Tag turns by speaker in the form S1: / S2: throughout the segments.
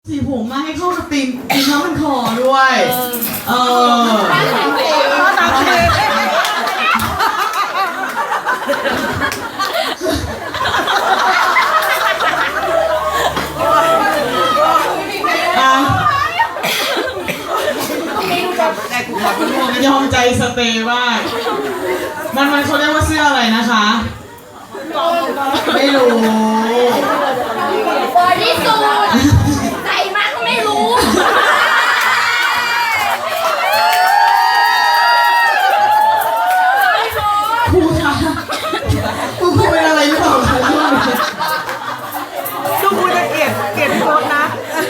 S1: สีผมมาให้เข้ากับธีมน้ำมันคอด้วยยอมใจสเตย์มากมันเขาเรียกว่าเสื้ออะไรนะคะไม่รู้
S2: บอดี้สูทใส่มาก็ไม่รู้
S1: ครูคะครูเป็นอะไรหรือเปล่าคะ
S3: ดูครูจะเกลียดโพสนะ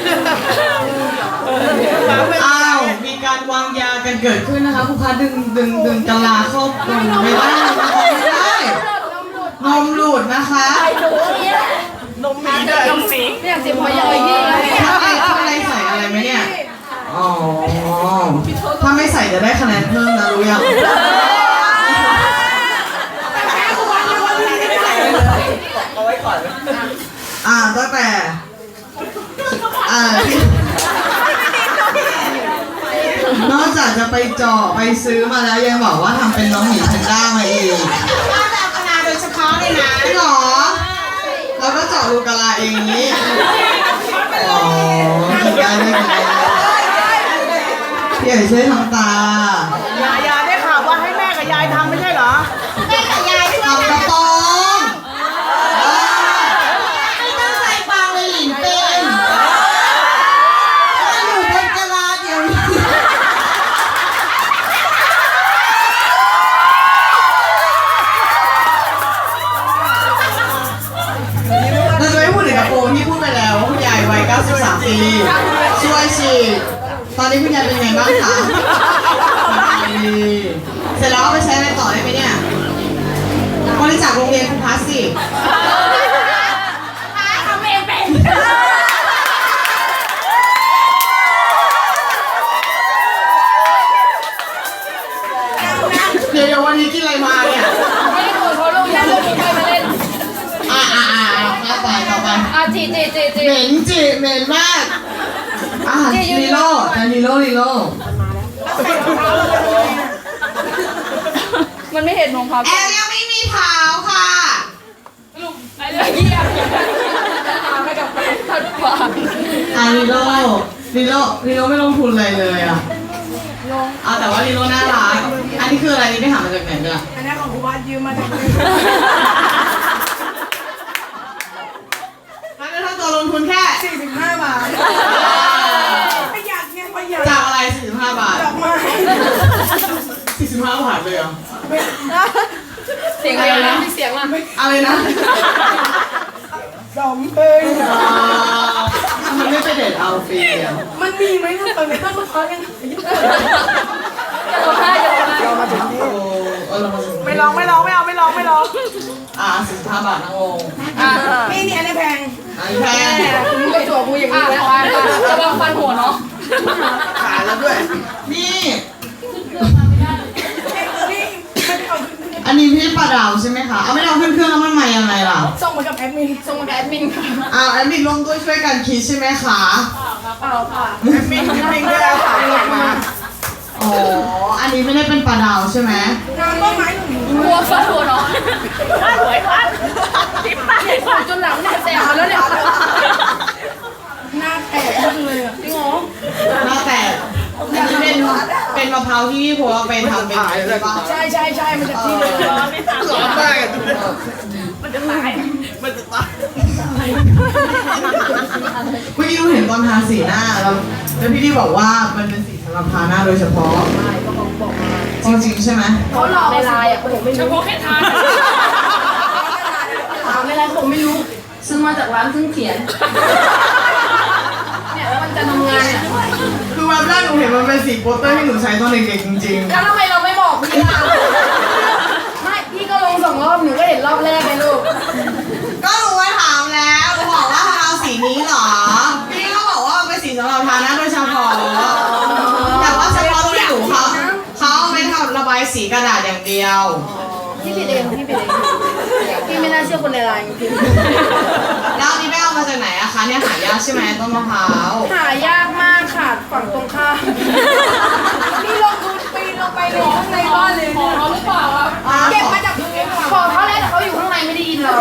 S1: อ้าวมีการวางยากันเกิดขึ้นนะคะครูคะดึงกะลาครอบคลุมไม่ได้นะคะไม่ได้นมหลุดนะคะ
S3: นมมีด้วยนมสี
S2: เนี่ยสิพอยอยนี่
S1: ถ้าอะไรใส่อะไรไหมเนี่ยอ๋อถ้าไม่ใส่จะได้คะแนนเพิ่มนะรู้ยัง
S3: เอาไว้ก่อน
S1: ตั้งแต่นอกจากจะไปเจาะไปซื้อมาแล้วยังบอกว่าทำเป็นน้องหมีแพนด้ามาเอง
S2: ว่าแบบคณะโดยเฉพาะเลยนะ
S1: จริงเหรอแล้วก็เจาะลูกกะลาเองนี้อ๋อได้พี่ใหญ่ช่วยทำต
S3: ายายได้ข่าวว่าให้แม่กับยายทำไม่ใช่เหรอ
S2: แม่กับยาย
S1: ทำกระป๋อง
S2: ไม่ต้องใส่ฟางเลยหลินเป็น
S1: อยู่บนกะลาเดี๋ยวนี้เราจะไม่พูดถึงกระโปรงที่พูดไปแล้วว่าคุณยายวัย93 ปีช่วยฉีดตอนนี้คุณยายเป็นไงบ้างคะเสร็จแล้วเอาไปใช้อะไรต่อได้ไหมเนี่ยบริจาคโรงเรียนคุณพัสสิ
S2: ทำเองเป็น
S1: เดี๋ยววันนี้กินอะไรมาเนี่ย
S2: ไม่ได้ดูเพราะลูกยังลูกไม่เคยมาเล่น
S1: ต่อไป
S2: จี
S1: เหม็นจีเหม็นมากลีโร่
S2: มันไม่เห็นรองเท้า
S1: แอลยังไม่มีเท้าค่ะ
S2: ลูกไปเลยเยี่ยมให้กับทัดขวาง
S1: ลีโร่ไม่ลงทุนอะไรเลยแต่ว่าลีโร่น่ารักอันนี้คืออะไรนี่ไปหามาจากไหนเนี่ย
S3: อันนี้ของครูวัดยืมมาจาก
S1: แล้วถ้าตัวลงทุนแค่
S3: 45 บาทประหยัดไงประหยัด
S1: จากอะไร45 บาท
S3: ดอกไม้
S1: 45 บาทเลยเหรอ
S2: เสียงอะไรนะมีเสียงล่ะ
S1: อะไรนะ
S3: ดอมเอ้ย
S1: มันไม่ไปเด็ดเอาฟรี
S3: มันมีไหมตอนนี้ต้องมาพักกัน
S2: เรา
S3: มาถึงนี่ไม่ลอง45 บาทนั่งลงนี่อันนี้แพง
S2: มึงไปจั่วกูอย่างนี้แล้วจะวางฟันหัวเนาะ
S3: ขาแล้วด้วย
S1: นี่อันนี้พี่ปลาดาวใช่ไหมคะเอาไม่เอาขึ้นเครื่องแล้วมันมายังไงล่ะ
S3: ส่งมากับแอดมินค่ะ
S1: แอดมินลงด้วยช่วยกันคิดใช่ไหมคะ
S3: เปล่าค่ะแอดมินก็เอาขาลงมา
S1: อันนี้ไม่ได้เป็นปลาดาวใช่ไหม
S3: งานต้นไม้
S2: หัวฟันหัวเนาะสวยฟันทิปปากหัวจนหลังเนี่ยแสบแล้วเนี่ย
S3: หน้าแตกเลยจริงเหรอ
S1: หน้าแตกเป็นมะพร้าวที่พี่ผัวไปทำเป็นอะไรบ้าง
S3: ใช่มันจะที่เลย
S1: ร้อนมาก
S2: มันจะตาย
S1: เมื่อกี้เราเห็นตอนทาสีหน้าแล้วพี่ที่บอกว่ามันเป็นสีสำหรับทาหน้าโดยเฉพาะจริงใช่ไหม
S2: เขาหลอกในไลน์เฉพาะแค่ทาไม่ไรผมไม่รู้ซื้อมาจากร้านซึ่งเขียนเนี่ยแล้วมันจะทำงานเนี่ย
S1: คือวันแรกหนูเห็นมันเป็นสีโปสเตอร์ที่หนูใช้ตอนเด็กๆจริงๆ
S2: แล้วทำไมเราไม่บอกพี่ล่ะไม่พี่ก็ลง2 รอบหนูก็เห็นรอบแรกเลยลูก
S1: ก็หนูไปถามแล้วหนูบอกว่าเอาสีนี้เหรอพี่ก็บอกว่าเป็นสีสำหรับทาหน้าโดยเฉพาะแต่ว่าเฉพาะที่หนูเขาไม่ทำระบายสีกระดาษอย่างเดียว
S2: พี่ผิดเองพี่ไม่น่าเชื่อคนในไลน์จริง
S1: แล้วนี่ไม่เอาเอามาจากไหนอะคะเนี่ยหายากใช่ไหมต้นมะพร้าว
S3: หายากมากค่ะฝั่งตรงข้ามนี่ลงทุนปีนลงไปเลยข้างในบ้านเลย
S2: ขอเขาหรือเปล่าครับ
S3: เก็บมาจากพื้น
S2: ขอเขาแล้วแต่เขาอยู่ข้างในไม่ได้ยินเรา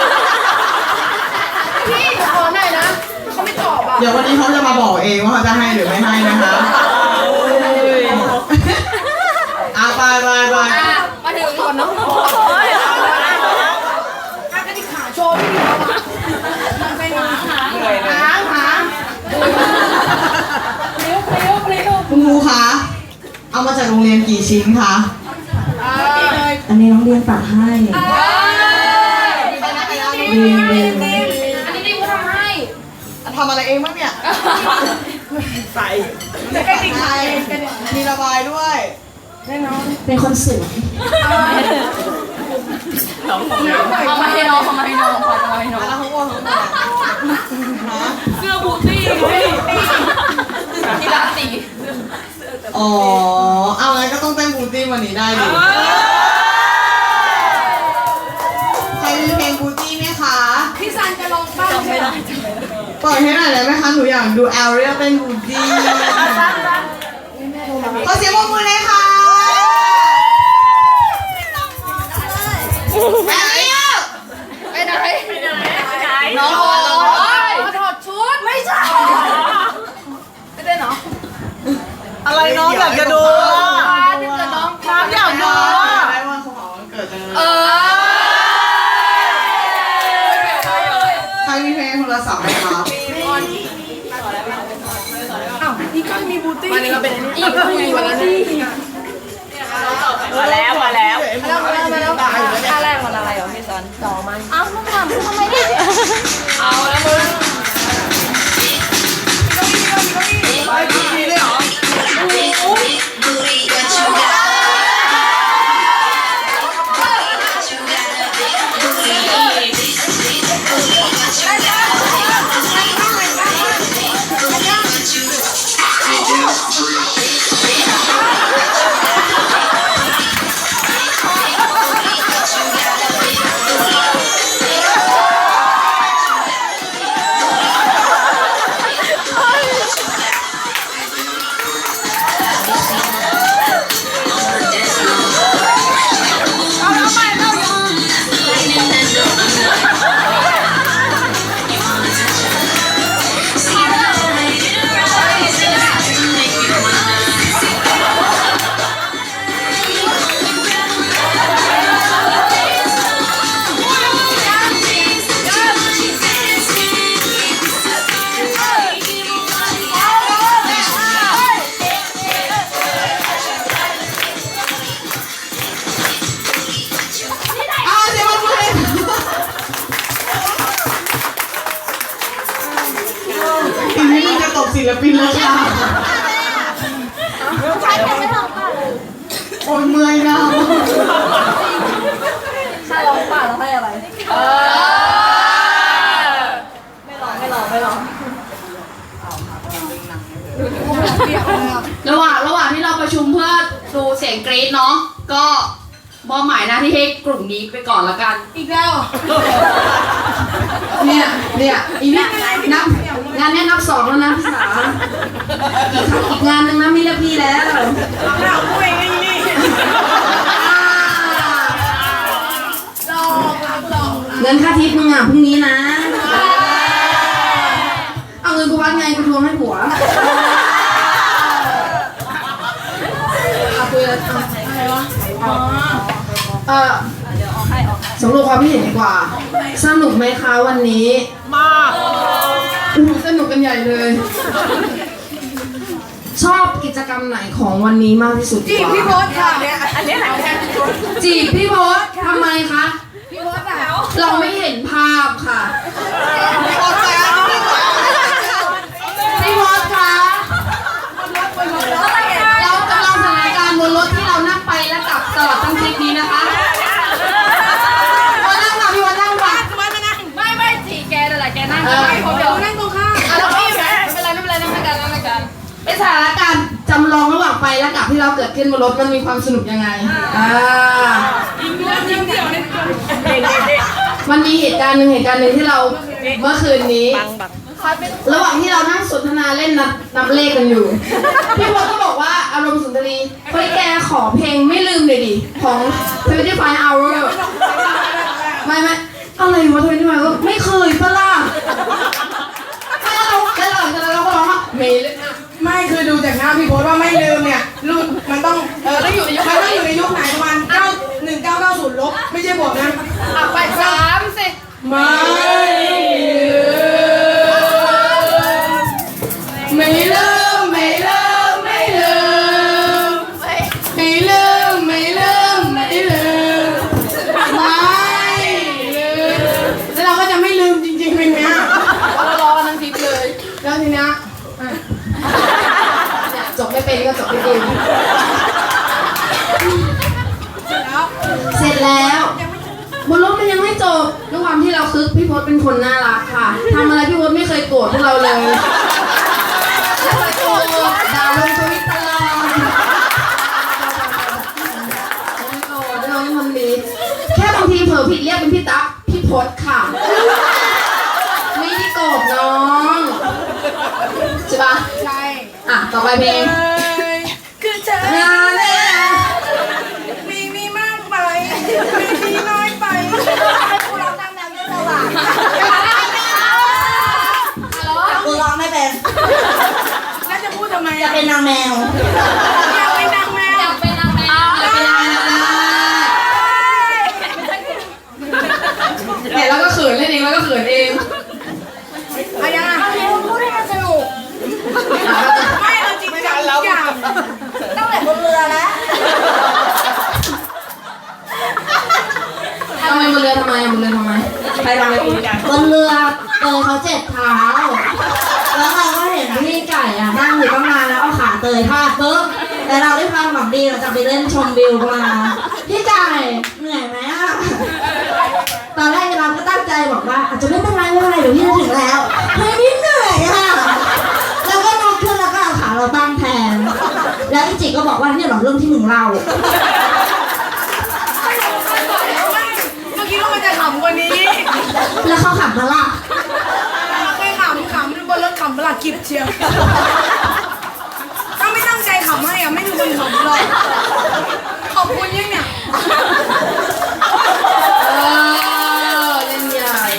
S2: พี่ขอหน่อยนะเขาไม่ตอบอ่ะ
S1: เดี๋ยววันนี้เขาจะมาบอกเองว่าเขาจะให้หรือไม่ให้นะคะไป
S2: มาถึงก่อนน้อง
S3: กระดิกขาโชว์พี่เขาอะไปหา
S2: หางเร็ว
S1: คุณครูคะเอามาจากโรงเรียนกี่ชิ้นคะ
S4: อันนี้น้องเรียนฝากให้
S2: อันนี้ดิวทำให้
S1: ทำอะไรเองบ้างเนี่ย
S3: จะกระดิกขาเอง
S1: มีระบายด้วย
S4: เป็นคนสวย
S2: เอามาให้น้องขอจะมาให้น้อง
S1: แล้วเขาบอกเขาบอกฮะ
S2: เสื้อบูตี้ที่ร้านสี
S1: อ๋อเอางั้นก็ต้องเต้นบูตี้วันนี้ได้ดิใครมีเพลงบูตี้ไหมคะ
S3: พี่ซันจะลองบ้างใช่ไหม
S1: เปิดให้หน่อยได้ไหมคะหนูอยากดูแอลเรียเต้นบูตี้ขอเสียงปรบมือเลยค่ะแอลเรีย
S2: ไปไหนน้องมาถอดชุดไม่ใช่ไม่ได้เนาะ
S5: อะไรน้องอยากจะดูอ่ะ
S2: ที่เกิดน้อง
S5: น้องอยากดูอ่ะ
S1: ได้วันของวันเกิดจังเลยใครมีเพลงโทรศัพท์ไหมครับ
S3: อ้าวนี่ก็มีบูตี้
S2: อีกวันละนี่
S5: มาแล้วมาแล้ว
S2: ท่าแรกมันอะไรเหรอพี่ซันต่อมันอ้าวมึงทำไมเนี่ยเอาแล้วมึง
S1: ไปทีเลยเหรอ อีกนิดนึงจะตกศิลปินแล้วค่ะโอ้ยเมื่อยนะ
S2: ถ้าร้องป่าเราให้อะไรไม่ร้อง
S6: ระหว่างที่เราประชุมเพื่อดูเสียงกรี๊ดเนาะก็มอบหมายหน้าที่ให้กลุ่มนี้ไปก่อนละกัน
S3: อีกแล้ว
S6: เนี่ยอีกนิดนับงานเนี้ยนับ2แล้วนะพี่สาอีกงานหนึงนะไม่เรียกพี่แล้ว
S3: เราคุยกันนี่ลอง
S6: เงินค่าทิปมึงอ่ะพรุ่งนี้นะเอาเงินกูวัดไงกูทวงให้ผัวเอาคุยอะไรวะสำรวจความคิดเห็นดีกว่าสนุกไหมคะวันนี้
S5: มาก
S6: สนุกกันใหญ่เลย ชอบกิจกรรมไหนของวันนี้มากที่สุด
S3: จีบพี่โพสค่ะเนี่ยอันนี้ไหน
S6: จีบพี่โพสทำไมคะ
S3: พี่โพสอ่ะ
S6: เราไม่เห็นภาพค่ะ พี่โพสคะเรากำลังสถานการณ์บนรถที่เรานั่งไปและกลับตลอดทั้งทริปนี้นะคะวันนั่งค่ะพี่วันนั่งค่ะ
S2: ไม่จีแกนั่นแหละแกนั่ง
S3: ผมเดี๋ยวนั่งตรงข้าม
S2: แล้วพี่ไม่เป็นไรนั่งกัน
S6: เป็นสถานการณ์จำลองระหว่างไปและกลับที่เราเกิดขึ้นบนรถมันมีความสนุกยังไง
S3: มันมีเหตุการณ์หนึ่งที่เราเมื่อคืนนี้ ระหว่างที่เรานั่งสนทนาเล่นนับเลขกันอยู่ พี่พลก็บอกว่าอารมณ์สุนทรีเฮ้ยแกขอเพลงไม่ลืมเลยดิของ25 hour ไม่อะไรวะ25 hour ไม่เคยปะล่ะแล้วเราก็ร้องว่าไม่ลืมไม่คือดูจากหน้าพี่พลว่าไม่ลืมเนี่ยรุ่นมันต้องต้องอยู่ในยุคไหนประมาณ1990 ลบไม่ใช่บวกนะ
S2: ไป3สิ
S3: ไม่ลืมไม่ลืมไม่ลืมไม่ลืมไม่ลืมไม่ลืมไม่ลืมแล้วเราก็จะไม่ลืมจริงๆเพลงเนี้ยเรารอกันทั้งทริปเลยแล้วทีเนี้ยจบไม่เป็นก็จบไม่เป็นเสร็จแล้วบนรถมันยังไม่จบด้วยความที่เราคึกพี่พศเป็นคนน่ารักค่ะทำอะไรพี่พศไม่เคยโกรธพวกเราเลยไม่เคยโกรธด่าลงทวิตตลอดไม่โกรธน้องคนนี้แค่บางทีเผลอผิดเรียกเป็นพี่ตั๊กพี่พศค่ะไม่ได้โกรธน้องใช่ปะใช่อ่ะต่อไปเพลงคือเธอมีมากไปมีน้อยไปให้กูร้องตามแนวเยอะเลยว่ะกูร้องไม่เป็นแล้วจะพูดทำไมจะเป็นนางแมวอยากเป็นนางแมว
S2: อยากเป็นนางแมว
S3: เนี่ยแล้วก็เขินเล่นเองแล้วก็เขินเองอะไรยังไงพูดให้มันสนุกไม่เอาจริงจังทุกอย่างตั้งแต่บนเรือแล้วทำไมบนเรือทำไมใครทำอะไรบนเรือเขาเจ็บเท้าแล้วเราก็เห็นพี่ไก่อะนั่งอยู่ตั้งนานแล้วเอาขาเตยพาดปุ๊บแต่เราได้ความหวังดีเราจะไปเล่นชมวิวมาพี่ไก่เหนื่อยไหมอะตอนแรกเราก็ตั้งใจบอกว่าอาจจะไม่เป็นไรเดี๋ยวพี่จะถึงแล้วเฮ้ยพี่เหนื่อยอะแล้วก็นอนขึ้นแล้วก็เอาขาเราตั้งแทนแล้วพี่จิก็บอกว่าเนี่ยหรอเรื่องที่มึงเล่าเมื่อกี้ว่ามันจะขำกว่านี้แล้วเขาขำมาล่ะไม่ขำบนรถขำมาล่ะกิบเชียวถ้าไม่ตั้งใจขำให้อะไม่มีคนขำหรอกขอบคุณยังเนี่ยเล่นใหญ่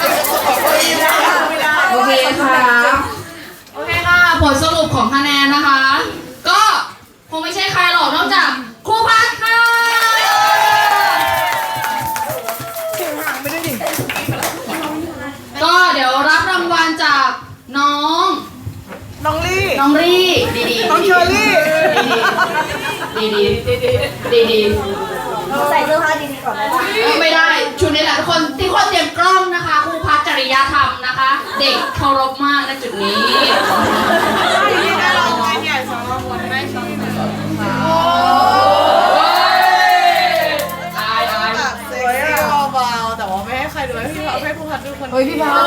S3: โอเคค่ะผลสรุปของคะแนนนะคะ ก็คงไม่ใช่ใครหรอกนอกจากครูพัดค่ะก็เดี๋ยวรับรางวัลจากน้องรี่ดีน้องเชอรี่ดีใส่เสื้อผ้าดีๆก่อนไม่ได้ชุดนี้แหละทุกคนที่คนเตรียมกล้องนะคะครูพัฒจริยธรรมนะคะ เด็กเคารพมากในจุดนี้ได้รางวัลใหญ่สำหรับคนได้ช่องหนึ่งตาย
S5: เซ็กซี่เบาๆแต่ว่าไม่ให้ใครดูให้ผู้พัดดูคนเฮ้ยพี่พัด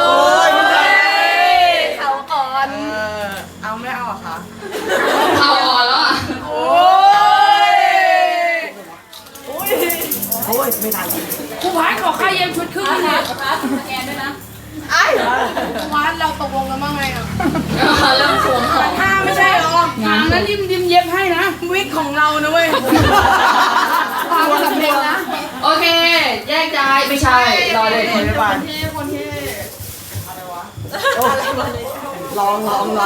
S2: เขาก่อน
S5: เอาไม่เอาอะคะ
S6: เอาอ่อนแล้วอ่ะ
S5: โอ้ยไม่ทัน
S3: ครูพัฒขอค่าเย็นชุดครึ่งนะ
S2: แกด้วยนะ
S5: ไอ้
S3: ครูพัฒเราตกลงกันบ้างไงอ่ะ
S6: เริ่มสวมของ
S3: ถ้าไม่ใช่หรองานนั้นริมเย็บให้นะวิกของเรานะเว้ยความสำเร็จนะ
S6: โอเคแยกย้ายไม่ใช่รอเลย
S5: คนที่อะไรวะลอง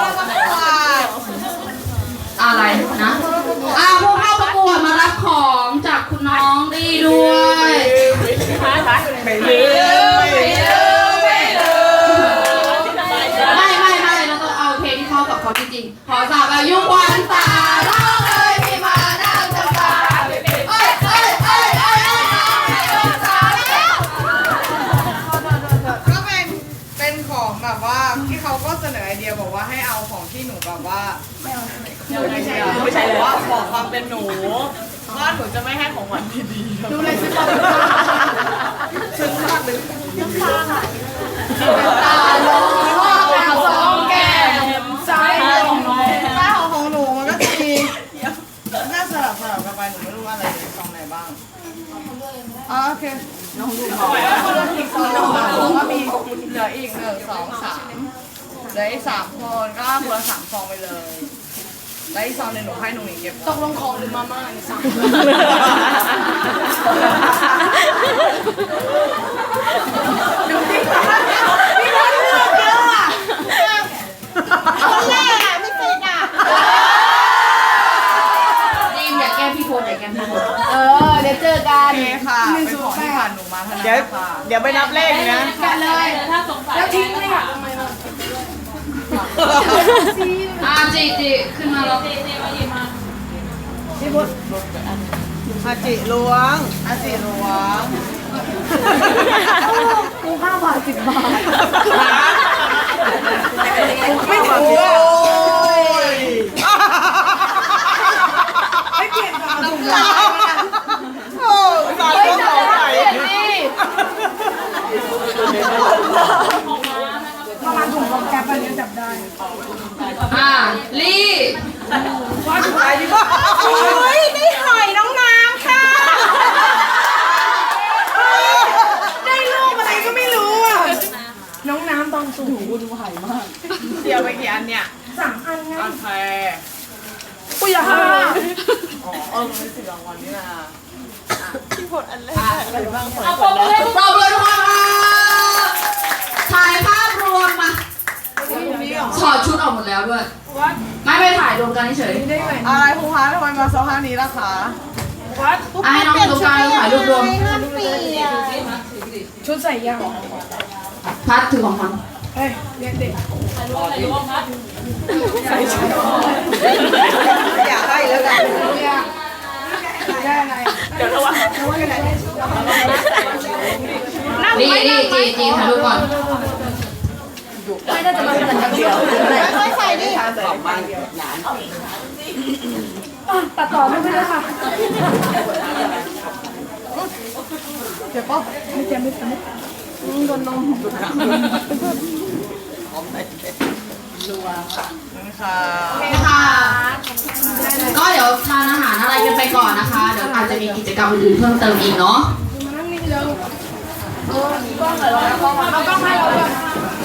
S6: อะไรนะผู้เข้าประกวดมารับของจากคุณน้องดีด้วย
S5: ไม่ลืม
S6: ไม่เราต้องเอาเพลงที่เข้ากับเขาจริงๆขอสาบอายุควันตาร้องเลยพี่มานั่งจะตา
S5: ก็เป็นของแบบว่าที่เขาก็เสนอไอเดียบอกว่าให้เอาของที่หนูแบบว่าไม่ใช่เลยว่าบอกความเป็นหนูว่าหนูจะไม่ให้ของหวานดีๆดูเลยซื้อของซื้อมากเลย
S3: ตาลงสองแก้มซ้ายลง
S5: ป้าของหนูมันก็จะมีหน้าสลับกันไปหนูไม่รู้ว่าอะไรซองไหนบ้างโอเคน้องดูเขาบอกว่ามีเหลืออีก1 2 3เหลืออีก3 คนก็คนละ3 ซองไปเลยแล้วอีกซองหนึงหนูให้หนูหนิงเก็บ
S2: ตกลงของหรือมาม่าเนี่ยสั่ง
S6: ดีมอย่าแกล้งพี่โพสอย่าแกล้งพี่โพส
S2: เดี๋ยวเจอกั
S5: โอน เคค่ะเป็นของที่ผ่านหนูมาเท่านั้นค่ะ
S1: เดี๋ยวไปนับเลขนะ
S2: กันเลยแล้วทิ้งเลยอ่ะทำไมล่ะ
S6: จีขึ้นมาแล้ว
S1: อาจิล้วง
S5: อาสีหลวง
S2: กู5 บาท 10 บาท
S1: ไม่ถูกยไม่เปลี่ยนกับถุงลายโอ้สารก็สงสัย
S2: ประมาณถุงของแกปอันนี้จับได้
S6: ลี่
S1: โอ้ยได้หอยน้องน้ำค่ะ
S2: ได้รูปอะไรก็ไม่รู้อ่ะ น้องน้ำตอนสูงดูหายมาก
S5: เดียวไปกี่อันเนี่ย
S2: 3 อันไง
S5: โอเค
S2: กูอยากให้
S5: อ๋อมันเป็น10 รางวัลนี่นะ
S6: เอาปรบมือทุกคนค่ะถ่ายภาพรวมมาถอดชุดออกหมดแล้วด้วย ไม่ไปถ่ายรวมกันเฉย
S5: อะไรครูคะทำไมมาสภาพนี้ล่ะคะ
S6: ให้น้องดูการถ่ายรูปรวม
S2: ชุดใส่ยาง
S6: พัดถือของมัน
S2: เฮ้ยเรียกเด็ก
S1: อยากให้แล้วกัน
S2: ได้อะไร
S6: นี่จีถ่ายรูปก่อน
S2: ตัดต่อไม่ได้ค่ะ
S5: เจ็บป่ะ
S2: ไม่เจ็บไม่เจ็บ
S5: โดนนมค่ะ
S6: ค่ะ ก็เดี๋ยวทานอาหารอะไรกันไปก่อนนะคะ เดี๋ยวอาจจะมีกิจกรรมอื่นๆเพิ่มเติมอีกเนาะ
S2: มานั่งนี่เร็วเอากล้องให้เรา